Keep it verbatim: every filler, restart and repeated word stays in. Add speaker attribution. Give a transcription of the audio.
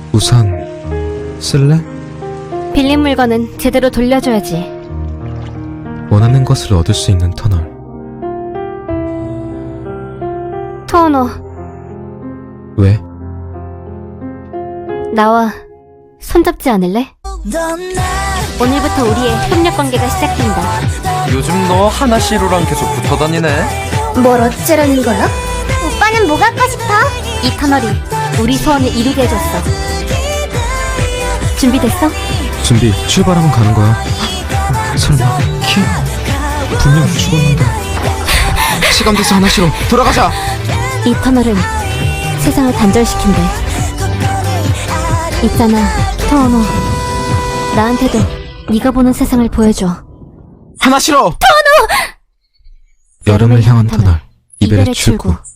Speaker 1: 우산 쓸래?
Speaker 2: 빌린 물건은 제대로 돌려줘야지.
Speaker 1: 원하는 것을 얻을 수 있는 터널.
Speaker 2: 토오노,
Speaker 1: 왜?
Speaker 2: 나와 손잡지 않을래? 오늘부터 우리의 협력 관계가 시작된다.
Speaker 3: 요즘 너 하나씨로랑 계속 붙어다니네.
Speaker 4: 뭘 어쩌려는 거야? 오빠는 뭐 갖고 싶어?
Speaker 2: 이 터널이 우리 소원을 이루게 해줬어. 준비됐어?
Speaker 1: 준비, 출발하면 가는 거야. 설마 키? 분명 죽었는데. 시간 돼서 하나씩로 돌아가자.
Speaker 2: 이 터널은 세상을 단절시킨대. 있잖아, 토오노. 나한테도 네가 보는 세상을 보여줘.
Speaker 1: 하나씩로. 터널. 여름을 향한 터널. 이별의 출구.